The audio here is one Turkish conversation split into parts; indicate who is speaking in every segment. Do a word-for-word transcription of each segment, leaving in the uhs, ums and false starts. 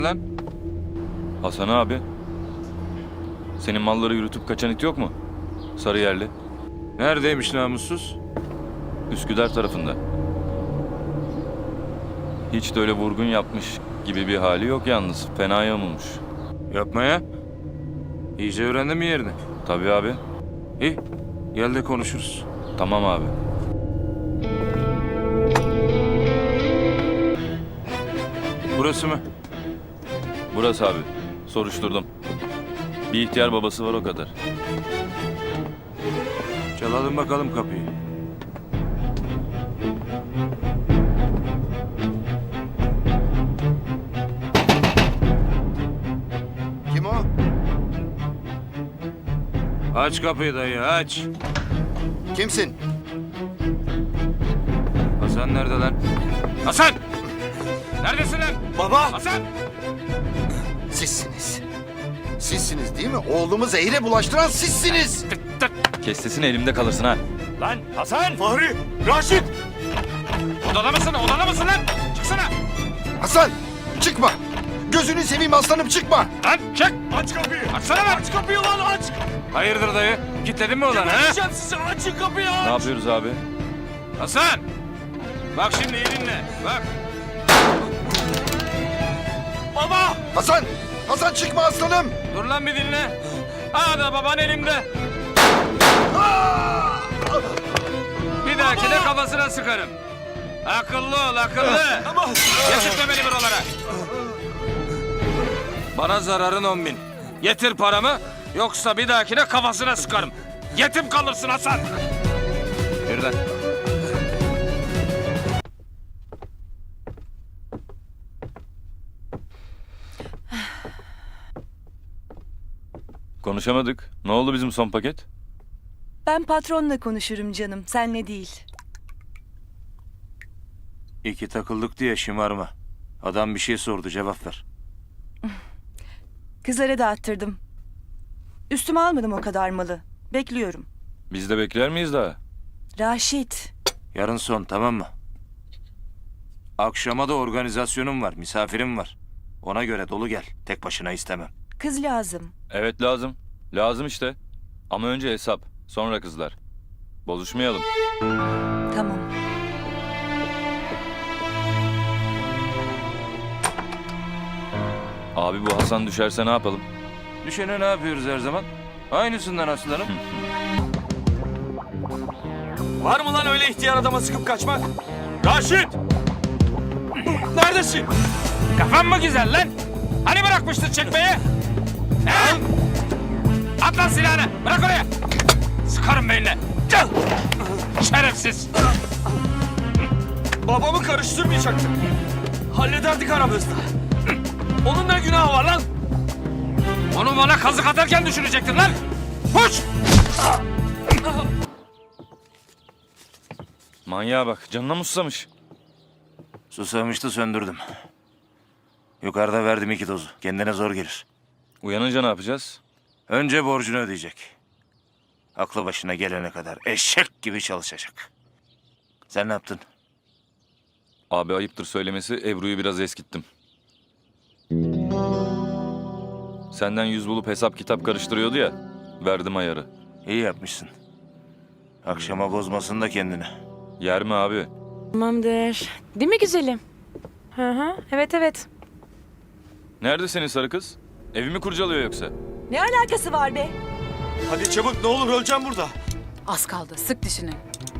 Speaker 1: lan?
Speaker 2: Hasan abi. Senin malları yürütüp kaçan it yok mu? Sarıyerli.
Speaker 1: Neredeymiş namussuz?
Speaker 2: Üsküdar tarafında. Hiç de öyle vurgun yapmış gibi bir hali yok yalnız. Fena yamulmuş.
Speaker 1: Yapma ya. İyice öğrendin mi yerini?
Speaker 2: Tabii abi.
Speaker 1: İyi. Gel de konuşuruz.
Speaker 2: Tamam abi.
Speaker 1: Burası mı?
Speaker 2: Burası abi. Soruşturdum. Bir ihtiyar babası var o kadar.
Speaker 1: Çalalım bakalım kapıyı.
Speaker 3: Kim o?
Speaker 1: Aç kapıyı dayı aç.
Speaker 3: Kimsin?
Speaker 1: Hasan nerede lan? Hasan! Neredesin lan?
Speaker 4: Baba!
Speaker 1: Hasan!
Speaker 3: Sizsiniz. Sizsiniz değil mi? Oğlumu zehire bulaştıran sizsiniz.
Speaker 1: Tık tık.
Speaker 2: Kes sesini elimde kalırsın ha.
Speaker 1: Lan Hasan!
Speaker 4: Fahri! Raşit!
Speaker 1: Odada mısın? Odada mısın lan? Çıksana!
Speaker 3: Hasan çıkma. Gözünü seveyim aslanım çıkma.
Speaker 1: Lan çık!
Speaker 4: Aç kapıyı!
Speaker 1: Açsana lan!
Speaker 4: Aç kapıyı lan aç!
Speaker 1: Hayırdır dayı? Kilitledin mi ulan ha?
Speaker 4: Geberteceğim sizi! Açın kapıyı aç!
Speaker 2: Ne yapıyoruz abi?
Speaker 1: Hasan! Bak şimdi iyi dinle. Bak.
Speaker 4: Baba!
Speaker 3: Hasan! Hasan çıkma aslanım.
Speaker 1: Dur lan bir dinle. Aa da baban elimde. Bir dahakine kafasına sıkarım. Akıllı ol akıllı.
Speaker 4: Ama...
Speaker 1: Getirtme beni buralara. Bana zararın on bin. Getir paramı yoksa bir dahakine kafasına sıkarım. Yetim kalırsın Hasan. Yürü lan.
Speaker 2: Konuşamadık. Ne oldu bizim son paket?
Speaker 5: Ben patronla konuşurum canım, senle değil.
Speaker 1: İki takıldık diye şımarma. Adam bir şey sordu cevap ver.
Speaker 5: Kızlara dağıttırdım. Üstüme almadım o kadar malı. Bekliyorum.
Speaker 2: Biz de bekler miyiz daha?
Speaker 5: Raşit,
Speaker 1: Yarın son tamam mı? Akşama da organizasyonum var, misafirim var. Ona göre dolu gel. Tek başına istemem.
Speaker 5: kız lazım.
Speaker 2: Evet lazım. Lazım işte. Ama önce hesap. Sonra kızlar. Bozuşmayalım.
Speaker 5: Tamam.
Speaker 2: Abi bu Hasan düşerse ne yapalım?
Speaker 1: Düşene ne yapıyoruz her zaman? Aynısından aslanım.
Speaker 4: Var mı lan öyle ihtiyar adama sıkıp kaçmak? Raşit! Neredesin?
Speaker 1: Kafan mı güzel lan? Hani bırakmıştın çekmeyi? He? At lan silahını. Bırak oraya. Sıkarım beynine. Gel. Şerefsiz.
Speaker 4: Babamı karıştırmayacaktık. Hallederdik aramızda. Onun ne günahı var lan?
Speaker 1: Onu bana kazık atarken düşünecektin lan. Uç.
Speaker 2: Manyağa bak. Canına mı susamış?
Speaker 1: Susamıştı söndürdüm. Yukarıda verdim iki dozu. Kendine zor gelir.
Speaker 2: Uyanınca ne yapacağız?
Speaker 1: Önce borcunu ödeyecek. Aklı başına gelene kadar eşek gibi çalışacak. Sen ne yaptın?
Speaker 2: Abi ayıptır söylemesi Ebru'yu biraz eskittim. Senden yüz bulup hesap kitap karıştırıyordu ya. Verdim ayarı.
Speaker 1: İyi yapmışsın. Akşama bozmasın da kendini.
Speaker 2: Yer mi abi?
Speaker 6: Tamamdır. Değil mi güzelim? Hı hı. Evet evet.
Speaker 2: Nerede senin sarı kız? Evimi kurcalıyor yoksa?
Speaker 5: Ne alakası var be?
Speaker 4: Hadi çabuk ne olur öleceğim burada.
Speaker 7: Az kaldı. Sık dişini.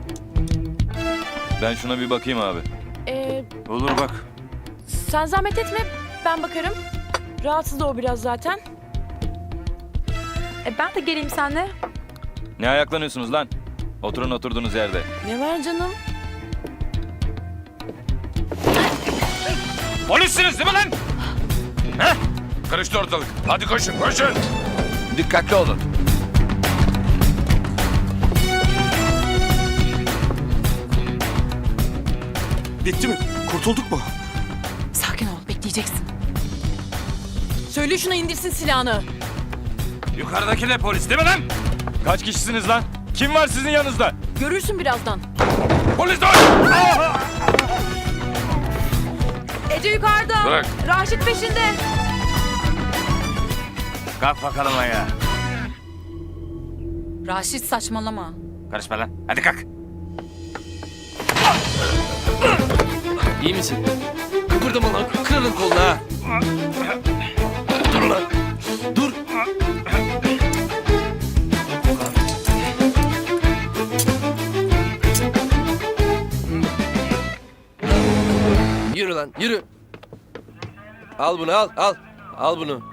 Speaker 2: Ben şuna bir bakayım abi.
Speaker 6: Ee,
Speaker 1: Olur bak.
Speaker 6: sen zahmet etme. Ben bakarım. Rahatsız da o biraz zaten. E, ben de geleyim seninle.
Speaker 2: Ne ayaklanıyorsunuz lan? Oturun oturduğunuz yerde.
Speaker 6: Ne var canım?
Speaker 1: Polissiniz değil mi lan? He? Karıştı ortalık. Hadi koşun koşun. Dikkatli olun.
Speaker 4: Bitti mi? Kurtulduk mu?
Speaker 7: Sakin ol. Bekleyeceksin. Söyle şuna indirsin silahını.
Speaker 1: Yukarıdaki de polis değil mi lan?
Speaker 2: Kaç kişisiniz lan? Kim var sizin yanınızda?
Speaker 7: Görürsün birazdan.
Speaker 1: Polis dur!
Speaker 6: Ece yukarıda.
Speaker 1: Bırak.
Speaker 6: Raşit peşinde.
Speaker 1: Kalk bakalım ayağa.
Speaker 7: Raşit saçmalama.
Speaker 1: Karışma lan. Hadi kalk.
Speaker 4: İyi misin? Kıpırdama lan. Kırarım kolunu ha. Dur lan. Dur. Yürü lan yürü. Al bunu al al. Al bunu.